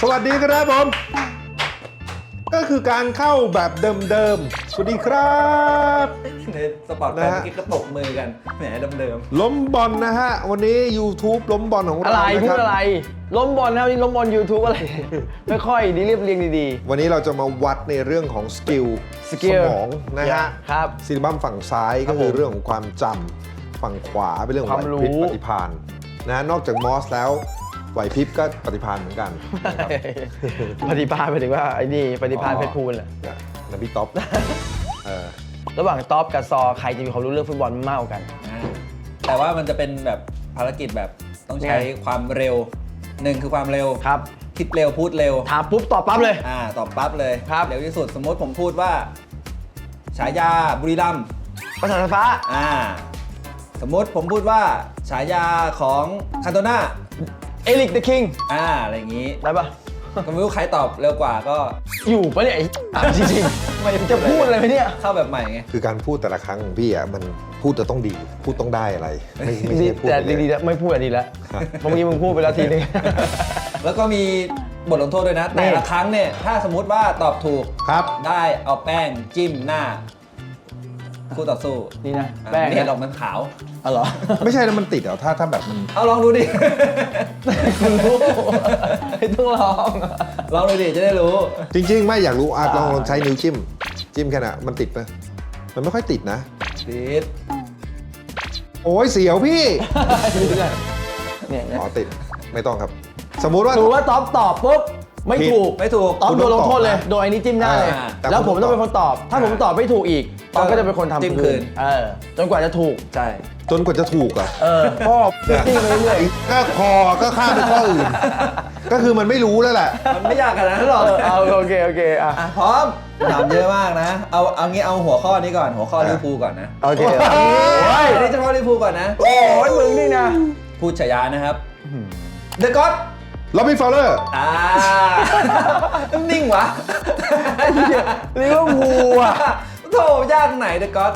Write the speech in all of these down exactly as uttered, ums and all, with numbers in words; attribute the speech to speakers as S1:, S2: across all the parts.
S1: วัสดีครับผมก็คือการเข้าแบบเดิมๆสวัสดีครับ
S2: ในสปอร์ตแฟนเมื่อกี้ก็ตบมือกันแหมเดิม
S1: ๆล้มบอลนะฮะวันนี้ YouTube ล้มบอลของเรา
S3: อะไร
S1: นะ
S3: พู
S1: ค
S3: ด
S1: รับ
S3: อะไรล้มบอลนะวันนี้ล้มบอล YouTube อะไร ไม่ค่อยดีเรียบเรียงดี
S1: วันนี้เราจะมาวัดในเรื่องของสกิล
S3: สกิล
S1: มองนะฮะ
S3: ครับ
S1: ซิลิบัมฝั่งซ้าย
S3: ครั
S1: ก็
S3: บ
S1: คือ
S3: ผม
S1: เรื่องของความจำฝั่งขวาเป็นเรื่องของ
S3: ความ
S1: ไหว
S3: รู้
S1: พริบปฏิภาณนะนอกจากมอสแล้วไหวพริบก็ปฏิภาณเหมือนกันนะครับ
S3: ปฏิภาณหมายถึงว่าไอ้นี่ปฏิภาณเพชรพูลแหละ
S1: เนี่ยนะพี่ท็อปเออ
S3: ระหว่างท็อปกับซอใครจะมีความรู้เรื่องฟุตบอลมากกว่ากัน
S2: ๆแต่ว่ามันจะเป็นแบบภารกิจแบบต้องใช้
S3: ไง
S2: ความเร็วหนึ่งคือความเร็ว
S3: ครับ
S2: คิดเร็วพูดเร็ว
S3: ถามปุ๊บตอบปั๊บเลย
S2: อ่าตอบปั๊บเลย
S3: ครับ
S2: เร็วที่สุดสมมติผมพูดว่า ฉายาบุรีรัมย์
S3: ประสาทไฟฟ้า
S2: อ่าสมมติผมพูดว่า ฉายาของคันโตนา
S3: เอลิกเดอะคิง
S2: อ่าอะไรอย่างนี้
S3: ได้ปะ
S2: ก็ไม่รู้ใครตอบเร็วกว่าก็
S3: อยู่ปะเนี่ยไอ้ถามจริงๆไม่จะพูดอะไรไหมเนี่ย
S2: เข้าแบบใหม่ไง
S1: คือการพูดแต่ละครั้งของพี่อ่ะมันพูดจะต้องดีพูดต้องได้อะไรไม่ไม่ใช่พูด
S3: แต่
S1: ไปเลย
S3: ดีๆแล้วไม่พูดอะดีแล้วเมื่อกี้มึงพูดไปแล้วทีนึง
S2: แล้วก็มีบทลงโทษด้วยนะ แต่ละครั้งเนี่ยถ้าสมมุติว่าตอบถูก
S1: ครับ
S2: ได้เอาแป้งจิ้มหน้าคู่ต่อสู้
S3: นี่นะ
S2: อ่ะ
S3: แป้ง
S2: ไม่เห็นหร
S3: นะ
S2: อกมันขาว
S3: อ๋อเหรอ
S1: ไม่ใช่แล้วมันติดเหรอถ้าถ้าแบบมัน
S2: เอาลองดูดิ
S3: คุณรู้ไม่ต้องลอง
S2: ลองดูดิจะได้รู้
S1: จริง ๆ ไม่อยากรู้อ่ะ
S3: อ่า
S1: ลองลองใช้นิ้วจิ้ม จิ้มแค่น่ะมันติดไหมมันไม่ค่อยติดนะ
S2: ติด
S1: โอ้ยเสียวพี่
S3: เนี่ยเนี่ย
S1: อ๋อติดไม่ต้องครับ สมมุติว่า
S3: ถือว่าท็อปตอบปุ๊บไม่
S1: ผิด
S3: ถูก
S2: ไม่ถูก
S3: ท็อป
S1: คุณ
S3: โด
S1: ต้
S3: น
S1: อง
S3: ลงโทษเลย
S1: ตอบนะ
S3: โดยไอ้นี้จิ้มหน้าเลย
S2: อ่า
S1: แต่
S3: แล้วผม
S1: คุณต้
S3: ต้
S1: อ
S3: อง งเป็นคนตอบ ถ้าผมตอบไม่ถูกอีกท็อปก็จะเป็นคนทำ
S2: จิ้มคืน
S3: เออจนกว่าจะถูก
S2: ใช่
S1: จนกว่าจะถูกอ่ะ
S3: เออพ่อจิ้มไปเรื่อย
S1: ก็คอก็ข้ามไปข้ออื่น ก็คือมันไม่รู้แล้วแหละ
S2: มันไม่ยากขนาดนั้นหรอก
S3: ๆเออเอาโอเคโอเคอ่ะ
S2: อ่ะพร้อมถามเยอะมากนะ เอาเอางี้เอาหัวข้อนี้ก่อนหัวข้อลิเวอร์พูลก่อนนะ
S3: โอเค
S1: โอ้
S3: โอ้ย
S2: อันนี้เฉพาะลิเวอร์พูลก่อนนะ
S3: โอ้ยมึงนี่นะ
S2: พูดฉายานะครับเดอะก็อด
S1: ล็อบบี้ฟาวเลอร์
S2: อ่า นิ่งวะ
S3: ลิเวอร์พูลอ่ะ
S2: โถยากไหนเดอะก็อด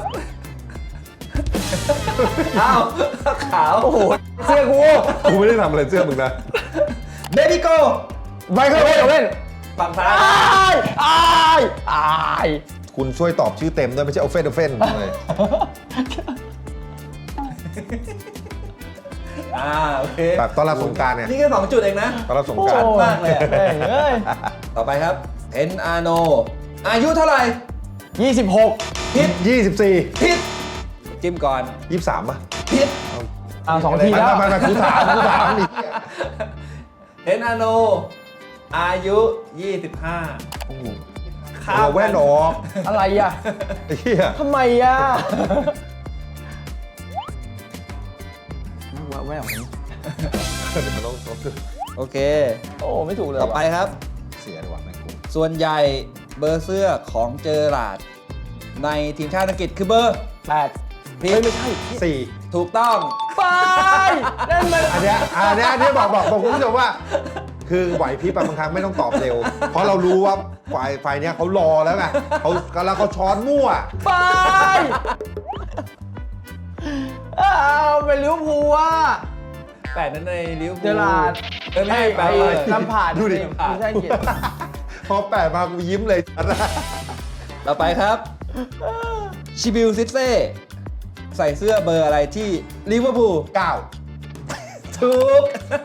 S2: อ้าวขาว
S3: โอ้โหเสื้อกู
S1: กูไม่ได้ทำอะไรเสื้อมึงนะ
S2: เบบี้โก
S3: ไมเคิลโอเว่น
S2: ฝั่งซ้า
S3: อาย ยอายอาย
S1: คุณช่วยตอบชื่อเต็มด้วยไม่ใช่เอาเฟนเอาเฟนเลย
S2: อ่าโอเค
S1: แบบตอนรับสงกรารเนี่ย
S2: นี่แค่สองจุดเองนะ
S1: ตอนรับสงกราร
S3: โอ้
S2: มากเลยอะ
S3: แม่งเอ้ย
S2: ต่อไปครับเอ็นอาโนอายุเท่าไหร่
S3: ยี่สิบหก
S2: ผิด
S1: ยี่สิบสี่
S2: ผิดจิ้มก่อน
S1: ยี่สิบสามป่ะ
S2: ผิด
S3: อ่าสองที
S1: ไม่
S3: แล้ว
S1: ไม่ไม่กูถามกูถามนี่
S2: เอ็นอาโนอายุยี่สิบห้า
S1: เอาแว่นออก
S3: อะไรอ่ะ
S1: ไอ้เหี้ย
S3: ทำไมอ่ะว่าแว่วนี้
S1: เดี๋ยวมันต้องต้อง
S2: โอเค
S3: โอ้ไม่ถูกเลย
S2: ต่อไปครับ
S1: เสียดีกว่าแม่งกู
S2: ส่วนใหญ่เบอร์เสื้อของเจอราร์ดในทีมชาติอังกฤษคือเบอร์
S3: แปด
S2: ผิด
S3: เฮ้ยไม่ใช่
S1: สี่
S2: ถูกต้อง
S3: ไปนั่นมัน
S1: อันเนี้ยอันเนี้ยอันเนี้ยบอกบอกบอกคุณผู้ชมว่า คือไหวพริบบางครั้งไม่ต้องตอบเร็ว เพราะเรารู้ว่าฝ่ายฝ่ายเนี้ยเขารอแล้วไงเขากำลังเขาช้อนมั่ว
S3: ไปอ้าวเป็นลิเวอร์พูลอ่ะ
S2: แปดนั้นในลิเวอร์พูล
S3: เจอราร์ด
S2: เออไม่ใช่
S3: ไอ้
S2: แปด
S3: ไอ้
S2: เลย
S3: ลำผ่าน
S1: ดูดิ
S3: ไม่ใช่อังกฤษ
S1: พอแปดมากูยิ้มเลย
S2: ต่อไปครับชิบิลซิเซ่ใส่เสื้อเบอร์อะไรที่ลิเวอร์พูล
S1: เก้า
S2: ถูก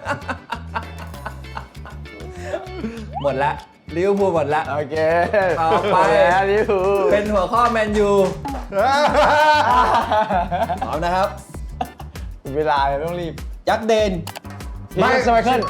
S2: หมดละลิเวอร์พูลหมดละ
S3: โอเค
S2: ต่อไป
S3: แล้วลิเวอร์พูล
S2: เป็นหัวข้อแมนยูพร้อมนะครับ
S3: เวลาเลยต้องรีบ
S2: ยักษ์เดน
S3: ไม่สมัยเคิล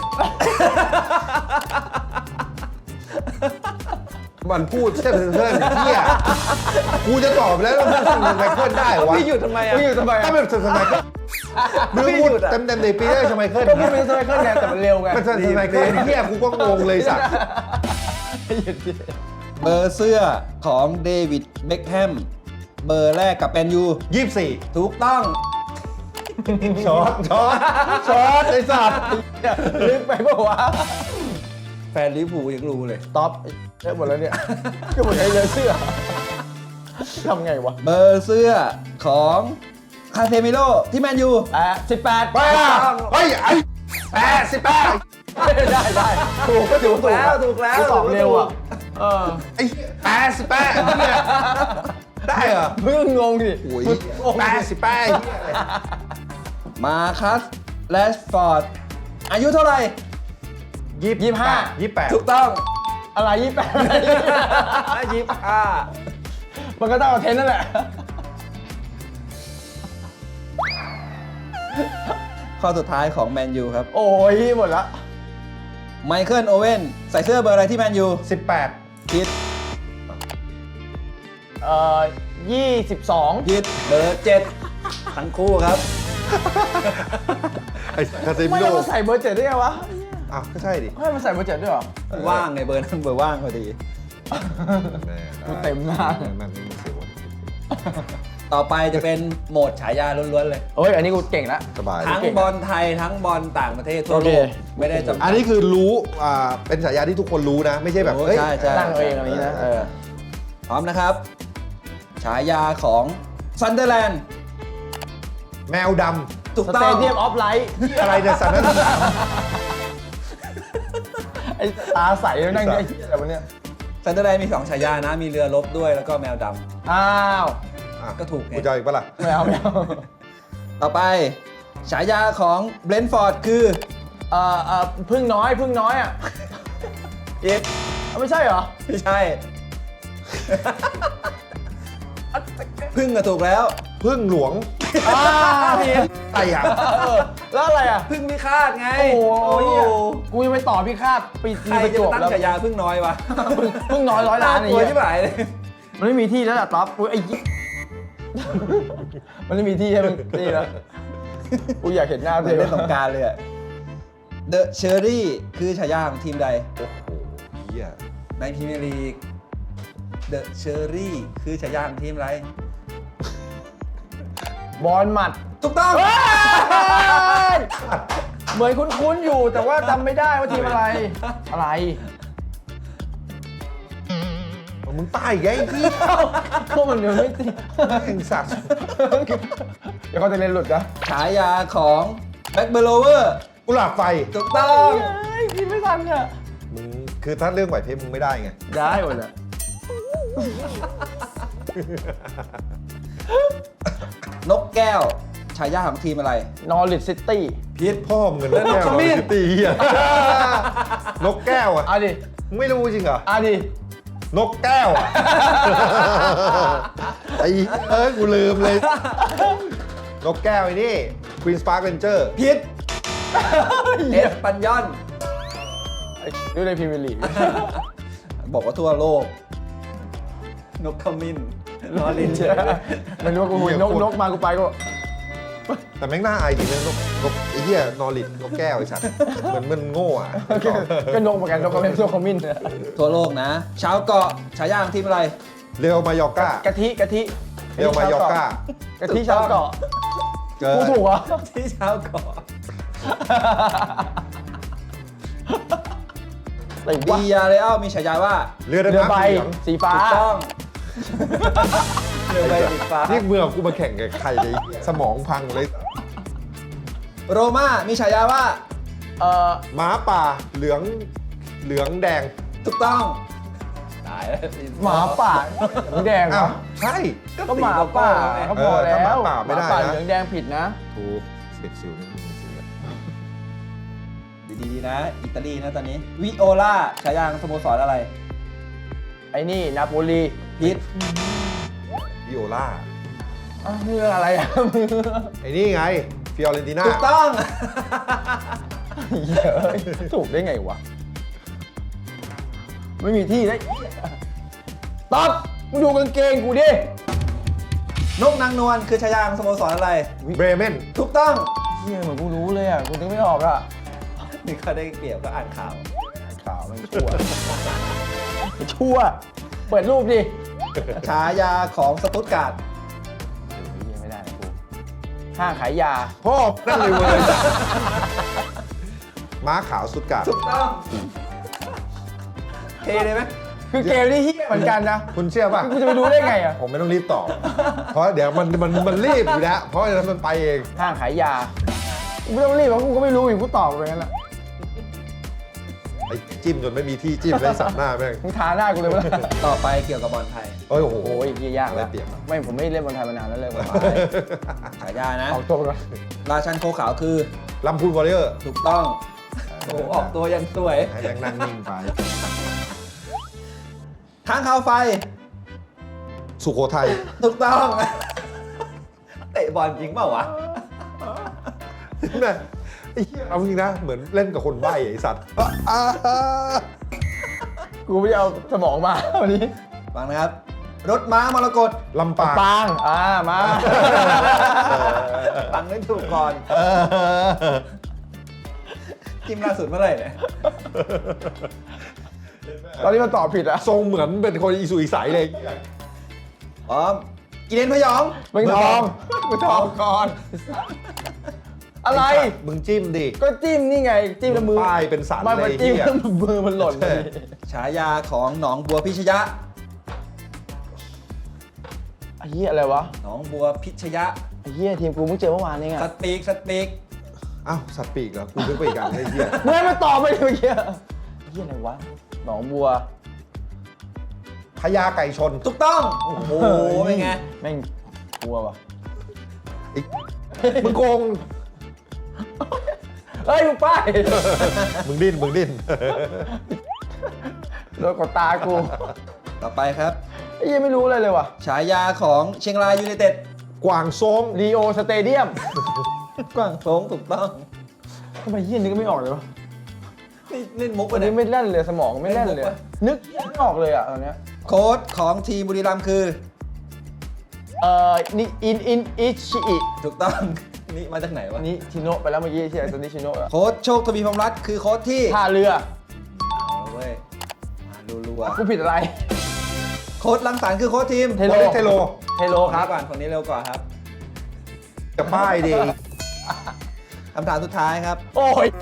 S1: มันพูดเช่นเพื่อนเที่ยกูจะตอบแล้วแล้วมันสมัยเคิลได้วะ
S2: พี่หยุดทำไมอ่ะ
S3: มึงอยู่ทำไม
S1: ถ้า
S3: อ่ะ
S1: เป็นสมัยเคิลมึงพูดเต็มเต็มๆในปีได้สมัยเคิล
S3: ก็พี่เป็นสมัยเคิลไงแต่มันเร็วไง
S1: มันสมัยเคิลเที่ยกูก็งงเลยสัตว์
S3: หยุดดิ
S2: เบอร์เสื้อของเดวิดเบ็คแฮมเบอร์แรกกับแมนยู
S1: ยี่สิบสี่
S2: ถูกต้อง
S1: ช็อตช็อตช็อตไอ้สัตว์
S3: ลึกไปเปล่าวะ
S2: แฟนลิเวอร์พูลยังรู้เลย
S3: ท็อปเยอะหมดแล้วเนี่ยก็หมดไอ้เลยเสื้อทำไงวะ
S2: เบอร์เสื้อของคาเซมิโร่ที่แมนยู
S3: อ่ะสิบแปด
S1: บ้าเฮ้ยไอ้แปดสิบแปด
S3: ได้ได้ถูกก็ถือว่าถูก
S2: แล้วถูกแล้ว
S3: ตอบเร็วอ่ะเออ
S1: ไอ้แปดสิบแปดเนี่ยได้เหรอ
S3: เพิ่งงงดิ
S1: โอ้ยแปดสิบแปด
S2: มาคัสแรชฟอร์ดอายุเท่าไหร่
S1: ยี่สิบห้ายี่สิบแปด
S2: ถูกต้อง
S3: อะไรยี่แปด
S2: ยี่สิบห้า
S3: มันก็ต้องเอาเทนนั่นแหละ
S2: ข้อสุดท้ายของแมนยูครับ
S3: โอ้ยหมดละ
S2: ไมเคิลโอเว่นใส่เสื้อเบอร์อะไรที่แมนยู
S1: สิบแปด
S2: ผิด
S3: เอ่อยี่สิบสอง
S2: ผิดเบอร์เจ็ดทั้งคู่ครับ
S1: ไอ้คาเซมิ
S3: ไม่
S1: โร่
S3: ได้มาใส่เบอร์เจ็ดได้ไงวะ
S1: อ้าวก็ใช่ดิ
S3: ให้มาใส่เบอร์เจ็ดด้วยเหรอ
S2: ว่างไงเบอร์นั้นเบอร์ว่างพอดี
S3: กูเต็มหน้า
S1: มันไม่เสียว
S2: ต่อไปจะเป็นโหมดฉายาล้วนๆเลย
S3: เอ้ยอันนี้กูเก่งละ
S1: สบาย
S2: ทั้งบอลไทยทั้งบอลต่างประเทศทั่วโลก
S3: โอเค
S2: ไม่ได้จำกัด
S1: อันนี้คือรู้อ่าเป็นฉายาที่ทุกคนรู้นะ ไม่ใช่แบบ
S2: โอ้
S1: เฮ้ย
S2: ใช่ใช่
S3: ตั้งเอาเองอะไรอย่างนี้นะเออ
S2: พร้อมนะครับ ฉายาของซันเดอร์แลนด์
S1: แมวด
S2: ถูก
S3: ส
S2: ต้
S3: เต
S2: อง
S3: เดียมออฟไลท์
S1: ำอะไรเนี่ยสันนั่นสาม
S3: ไอ้ตาใสแล้วนั่งไอ้เหี้ยอะไรวะเนี่ย
S2: ซันเดอร์แลนด์มีสองฉายานะ มีเรือรบด้วยแล้วก็แมวด
S3: อ้าว
S1: อ่ะ
S2: ก็ถูกไง
S1: กูจะเอาอีกปะล่ะ
S3: ไม่เอาไม่เอา
S2: ำต่อไป ฉายาของเบรนท์ฟอร์ดคือ
S3: เอ่อเอ่อพึ่งน้อยพึ่งน้อยอ่ะ
S2: เอ็ก
S3: เอาไม่ใช่เหรอ
S2: ไม่ใช่ พึ่งก็ถูกแล้ว
S1: พึ่งหลวง
S3: อ่าผิด
S1: ไอ้ห่า
S3: เออแล้วอะไรอ่ะ
S2: พึ่งพิฆาตไง
S3: โอ้โห
S2: โอ้
S3: เหี้ยกูจะไปต่อพี่คาดปี
S2: ใคร
S3: ประ
S2: จะ
S3: จวบ
S2: ตั้ง
S3: แล้ว
S2: ฉายาพึ่งน้อยวะ
S3: พึ่งพึ่งน้อยร้อยล้าน
S2: น่
S3: ไอ้
S2: กลัว
S3: เหี้ย
S2: ที่ไหนเลย
S3: มันไม่มีที่แล้วล่ะต๊อปกูไอ้ยี่ มันไม่มีที่ให้มึงนี่แล้วกูอยากเห็นหน้า
S2: เหมื
S3: เธ
S2: อน
S3: อ
S2: เล่นสงกรารเลยอะเดอะเชอรี่คือฉายาของทีมใด
S1: โอ้โหเหี้ย
S2: ในพรีเมียร์ลีกเดอะเชอรี่คือฉายาของทีมอะไร
S3: บอลหมัด
S2: ถูกต้อง
S3: เฮ้ยเหมือนคุ้นๆอยู่แต่ว่าจำไม่ได้ว่าทีมอะไร อะไร
S1: มึงตายอีกไงไอ้พี่
S3: พวกมันเดี๋ยวไม่ติ
S1: ไอ้สัตว์
S3: เดี๋ยวเขาจะเล่นหลุดนะ
S2: ฉายาของแบ็กเบลเวอร์
S1: กุหลาบไฟ
S2: ถูกต้อง
S3: เฮ้ยกินไม่ทันอ่ะ
S1: มึงคือถ้าเรื่องไหวพริบมึงไม่ได้ไง
S3: ได้หมดเลย
S2: นกแก้ว ฉายาของทีมอะไร
S3: นอริทซิตี้
S1: พีทพ่อมึงเงินนกแก้ว
S2: แล้วนกขมิ้น
S1: ซิตี้เหี้ยนกแก้วอ่ะ
S3: เอาดิ
S1: มึงไม่รู้จริงเหรอ
S3: เอาดิ
S1: นกแก้วอ่ะ ไอ้เอ้ยกูลืมเลย นกแก้วไอ้นี่ Queen Spark Ranger
S2: พิษเอสปันยอน
S3: ดูในพรีเมียร์ลีก
S2: บอกว่าทั่วโลก นกขมิ้นนอรินเฉย
S3: ไม่รู้ว่ากูหุยนกนกมากูไปก็
S1: แต่แม่งน่าอายจริงนะนกนกไอ้เหี้ยนอริดนกแก้วไอ้สัตว์เหมือนมันโง่อ่ะ
S3: ก็นกเหมือนกันนกก็เป็นนกขมิ้น
S2: ทั่วโลกนะ ชาวเกาะฉายาของทีมอะไร
S1: เรียวมายอร์ก้าก
S3: ะทิกะทิ
S1: เรียวมายอร์ก้าก
S3: ะทิชาวเกาะ
S1: เกิ
S3: กู
S1: น
S3: ถูกเหรอ
S2: ที่ชาวเกาะ
S3: อะไร
S2: ดี
S3: วะ
S2: ยาเรอัลมีฉายาว่า
S1: เรือ
S3: เรือ
S1: ดำน้ำ
S3: ใบ
S1: สีเหลือง
S3: สีฟ้า
S2: ถูกต้อง เรือใบสีฟ้า
S1: นี่เมื่อกูมาแข่งกับใครเลยสมองพังเลย
S2: โรม่ามีฉายาว่า
S3: เอ่อ
S1: หมาป่าเหลืองเหลืองแดง
S2: ถูกต้องตายแล้ว
S3: หมาป่าเหลืองแดงเหร
S1: อ้า
S3: อ
S1: วใช่
S3: ก็หมาป่าเขาบอกแล้ว
S1: เออถ้าหมาป่าไม่ได้
S3: หป่า
S1: นะ
S3: เหลืองแดงผิดนะ
S1: ถูกเสียดสิวนี่เสียด
S2: ดีๆนะ อิตาลีนะตอนนี้ วิโอลาฉายาของสโมสรอะไร
S3: ไอ้นี่นาโปลี
S2: พิษ
S1: วิโอล่า
S3: อ้าวนี่เรื่องอะไรอ่ะ
S1: ไอ้นี่ไงฟิออเรนติน่า
S2: ถูกต้อง
S3: เหี้ยเอ้ยถูกได้ไงวะ ไม่มีที่ได้ต๊อบมึงดูกางเกงกูดิ
S2: นกนางนวลคือฉายาของสโมสรอะไร
S1: เบรเมน
S2: ถูกต้อง
S3: เฮียเหมือนกูรู้เลยอ่ะ กูนึกไม่ออกอ่ะ
S2: นี่เขาได้เปรียบก็อ่านข่าว
S3: ข่าวมันชั่ว ชั่ว เปิดรูปดิ
S2: ฉายาของสตุตการ์ด
S3: เฮียไม่ได้นะกู ห้างขายยา
S1: พ่อนั่นเลยเว้ยม้าขาวสุดกาด
S2: ถูกต้อง เทเลยไหม
S3: คือเกมนี่เฮียเหมือนกันนะ
S1: คุณเชื่อป่ะ
S3: กูจะไปรู้ได้ไงอ่ะ
S1: ผมไม่ต้องรีบตอบ เพราะเดี๋ยวมันมันมันรีบอยู่แล้ว เพราะฉะนั้นมันไปเอง
S3: ห้างขายยา กูไม่ต้องรีบเพราะกูก็ไม่รู้อยู่กูตอบไปงั้นแหละ
S1: จิ้มจนไม่มีที่จิ้มเลยสับหน้าแม่ง
S3: มึงทาหน้ากูเลยมั้ย
S2: ต่อไปเกี่ยวกับบอลไทย
S1: เอ้ยโอ้โห
S3: โอ้ยเหี้ยยากแล้ว
S1: ได้เปรียบอะ
S3: ไม่ผมไม่เล่นบอลไทยมานานแล้วเลยผม
S2: ฉายานะ
S3: ออกตัวก่อน
S2: ราชันโคขาวคือ
S1: ลำพูนวอริเออร์
S2: ถูกต้องโอ้ออกตัวยังสวย
S1: ให้แม่งนั่งนิ่งไป
S2: ค้างคาวไฟ
S1: สุโขทัย
S2: ถูกต้อง เตะบอลจริงเปล่าวะ
S1: แม่ไอ้เหี้ยเอาจริงนะเหมือนเล่นกับคนใบ้ไอ้สัตว์อ่า
S3: กูไม่ได้เอาสมองมาวันนี้
S2: ฟังนะครับ รถม้ามรกต
S1: ลำปาง
S3: ปางอ่ามา
S2: ฟังได้ถูกก่อน
S1: เออ
S2: จิ้มล่าสุดเมื่อไหร่เนี่ย
S3: ตอนนี้มันตอบผิดอะ
S1: ทรงเหมือนเป็นคนอีสุอีใสเลย
S2: พร้อมกินเลนพยอง
S3: มึงทองมึงทองก่อน อะไร
S1: มึงจิ้มดิ
S3: ก็จิ้มนี่ไง จิ้มแล้วมือ
S1: ป้ายเป็นสัน
S3: ไมา
S1: เลย
S3: จิ้ม
S1: เหี้ย
S3: แล้วมือมันหล่นพอดี
S2: ฉายาของหนองบัวพิชยะ
S3: ไอ้เหี้ยอะไรวะ
S2: หนองบัวพิชยะ
S3: ไอ้เหี้ยทีมกูเพิ่งเจอเมื่อวานนี่ไง
S2: สปีกสปีก
S1: อ้าวสัตว์ปีกเหรอกูนึกไปอีกอันไอ้เหี้ย
S3: เมื่อมาตอบไปเมื่อกี้ไอ้เหี้ยอะไรวะ หนองบัว
S1: พญาไก่ชน
S2: ถูกต้อง โอ้โหเป็นไง
S3: แม่งกลัววะ
S1: มึงโกง
S3: เฮ้ยมึงป้าย
S1: มึงดิ้นมึงดิ้น
S3: โดนกดตากู
S2: ต่อไปครับ
S3: ไอ้เหี้ยไม่รู้อะไรเลยว่ะ
S2: ฉายาของเชียงรายยูไนเต็ด
S1: กวางซง
S3: รีโอสเตเดียม
S2: กว้างโถงถูกต้อง
S3: ทำไมเหี้ยนึกไม่ออกเลยวะ
S2: นี่เล่นมุกไป
S3: วัน
S2: เนี่
S3: นี้
S2: ย
S3: ไม่เล่นเลยสมองไม่เล่นเลย
S2: ไม่รู้ปะ
S3: นึกไม่ออกเลยอ่ะตอนเนี้ย
S2: โค้ชของทีมบุรีรัมย์คือ
S3: เอ่อนี่อินอินอิชิอิ
S2: ถูกต้อง นี่มาจากไหนวะ
S3: นี่ชิโนะไปแล้วเมื่อกี้ที่ไอ้ตัวนี้ชิโนะอะ
S2: โค้ชโชคทวีพรหมรัตน์คือโค้ชที่
S3: ท่าเรือ
S2: เอาละเว้ยมารัว
S3: กูผิดอะไร
S2: ๆโค้ชลังสรรค์คือโค้ชทีม
S3: เทโล
S1: โอเล็กเทโล
S3: เทโล
S2: ค
S3: ค
S2: รั
S3: รั
S2: บบ ก่อนคนนี้เร็วกว่าครับ
S1: จะป้ายดิ
S2: คำถามสุดท้ายครับ
S3: โอ้ย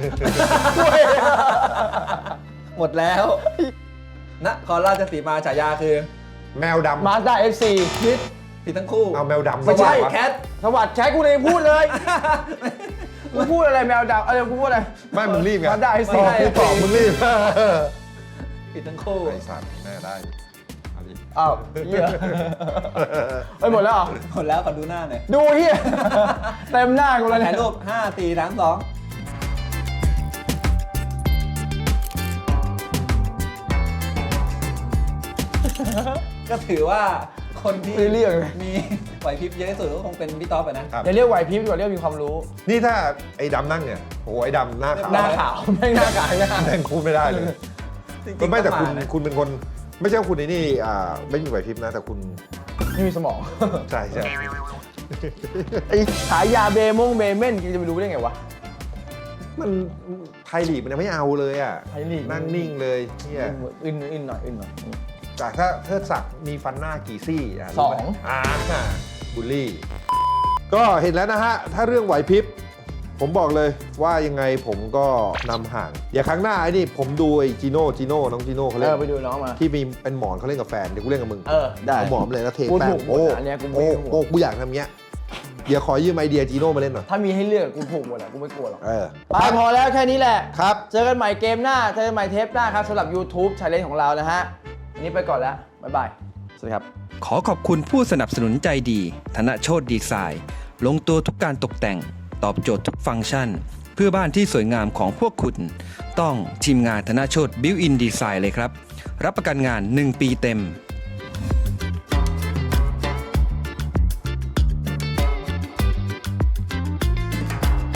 S2: หมดแล้วนครราชสีมาฉายาคือ
S1: แมวดำ
S3: มาสด้าเอฟซี
S2: พิษผิดทั้งคู่
S1: เอาแมวดำ
S3: ไม่ใช่
S1: วะ
S2: แคท
S3: สวัสดิ์ใช้กูเลยพูดเลยกูพูดอะไรแมวดาวอะไรกูพูดอะไร
S1: ไม่มึงรีบไง
S3: มาได้
S1: ต
S3: สิ
S1: อบกูตอบมึงรีบ
S2: ผิดทั้งคู่
S1: ไอ้สัตว์แม่ได้เอาดิ
S3: อ้าวเฮียเฮ้ยหมดแล้วเหรอ
S2: หมดแล้วขอดูหน้าหน่อย
S3: ดูเฮียเต็มหน้ากูเลย
S2: ถ่าย
S3: เนี่ย
S2: รูปห้า สี่ สาม สองก็ถือว่าคนที่
S3: ไม่เรียกเลย
S2: มีไหวพริบเยอะที่สุดก็คงเป็นพี่ต๊อปอะนะ
S1: ครับ
S3: อย่าเรียกไหวพริบดีกว่าเรียกมีความรู้
S1: นี่ถ้าไอ้ดำนั่งเนี่ยโอ้โหไอ้ดำหน้าขาว
S3: หน้าขาวแม่งหน้าขาวหน้า
S1: แม่งพูดไม่ได้เลย
S2: จริงๆ
S1: ก็ไม่แต่คุณ
S2: ก็านะ
S1: คุณเป็นคน ไม่ใช่ว่าคุณไอ้นี่อ่าไม่มีไหวพริบนะ แต่คุณ
S3: ไม่มีสมอง
S1: ใช่ใช่
S3: ไอ้ขายยาเบมงเบเม่นกูจะไปรู้ได้ไงวะ
S1: มันไทยลีกมันยังไม่เอาเลยอ่ะ
S3: ไทยลีก
S1: นั่งนิ่งเลยเนี่ย
S3: อึนอึนหน่อยอึนหน่อย
S1: จากถ้าเทิดศักดิ์มีฟันหน้ากี่ซี่ะ
S3: สอง
S1: รู้ไหมอ่าบูลลี่ ก็เห็นแล้วนะฮะ ถ้าเรื่องไหวพริบ ผมบอกเลยว่ายังไงผมก็นำห่าง อย่าครั้งหน้าไอ้นี่ผมดูไอ้จีโน่จีโน่น้องจีโน่เขา
S3: เอ
S1: เล่น
S3: อไปดูน้องมา
S1: ที่มีเป็นหมอนเขาเล่นกับแฟนเดี๋ยวกูเล่นกับมึง
S3: เออได้
S1: เอาหมอนมาเลยแล้วเท
S3: กู
S1: แป้
S3: ถู
S1: ง
S3: กหมด
S1: โอ้
S3: อันเนี้ยกูไม่
S1: โอ้
S3: ถูก
S1: โอ้กูอยากทำเงี้ยเดี๋ยวขอยืมไอเดียจีโน่มาเล่นหน่อย
S3: ถ้ามีให้เลือกกูถูกหมดอ่ะกูไม่กลัวหรอก
S1: เออ
S3: ไปพอแล้วแค่นี้แหละ
S1: ครับ
S3: เจอกันใหม่เกมหน้า เจอกันใหม่เทปหน้าครับสำหรับ YouTube Challenge ของเรานะฮะวันนี้ไปก่อนแล้ว บ๊ายบาย สวัสดีครับ
S4: ขอขอบคุณผู้สนับสนุนใจดี ธนโชตดีไซน์ ลงตัวทุกการตกแต่ง ตอบโจทย์ทุกฟังก์ชัน เพื่อบ้านที่สวยงามของพวกคุณ ต้องทีมงานธนโชตบิวอินดีไซน์เลยครับ รับประกันงาน หนึ่ง ปีเต็ม